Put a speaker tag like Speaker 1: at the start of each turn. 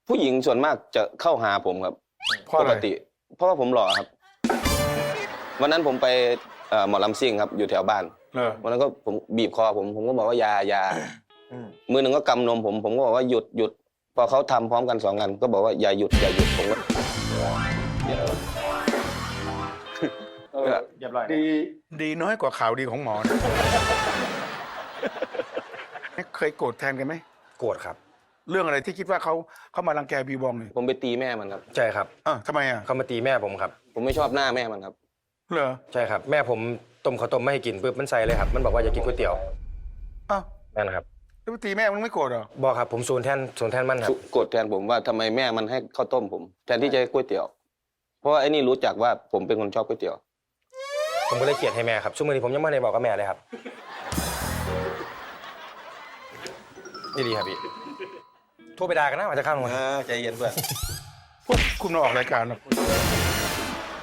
Speaker 1: ผู้หญิงส่วนมากจะเข้าหาผมครับ
Speaker 2: เพราะอะไร
Speaker 1: ปกติ เพราะว่าผมหล่อครับ วันนั้นผมไปหมอลำซิ่งครับอยู่แถวบ้าน วันนั้นก็ผมบีบคอผมก็บอกว่าอย่ามือหนึ่งก็กำนมผมก็บอกว่าหยุดพอเขาทำพร้อมกัน2 อันก็บอกว่าอย่าหยุดผมก็
Speaker 3: เรียบร้อย
Speaker 2: ดีน้อยกว่าข่าวดีของหมอนะเคยโกรธแทนกันไหม
Speaker 4: โกรธครับ
Speaker 2: เรื่องอะไรที่คิดว่าเขามารังแกบีบองเนี่ย
Speaker 1: ผมไปตีแม่มันครับ
Speaker 4: ใช่ครับ
Speaker 2: ทำไมอ่ะ
Speaker 4: เขามาตีแม่ผมครับ
Speaker 1: ผมไม่ชอบหน้าแม่มันครับ
Speaker 2: เหรอ
Speaker 4: ใช่ครับ แม่ผมต้มข้าวต้มไม่ให้กินปุ๊บมันใส่เลยครับ มันบอกว่าอย่ากินก๋วยเตี๋ยว
Speaker 2: อ้าว
Speaker 4: นั่นนะครับ
Speaker 2: แล้วไปตีแม่มึงไม่โกรธเหรอ
Speaker 4: บอกครับผมศูนย์แทนมันครับ
Speaker 1: โกรธแทนผมว่าทำไมแม่มันให้ข้าวต้มผมแทนที่จะให้ก๋วยเตี๋ยว เพราะว่าไอ้นี่รู้จักว่าผมเป็นคนชอบก๋วยเตี๋ยว
Speaker 4: ผมก็เลยเกลียดให้แม่ครับช่วงนี้ผมยังไม่ได้บอกกับแม่เลยครับนี่ดีครับพี่โทรไปด่ากันนะอาจจะข้ามลงมา
Speaker 1: ใจเย็นเพื่อน
Speaker 2: พวกคุณมาออกรายการนะ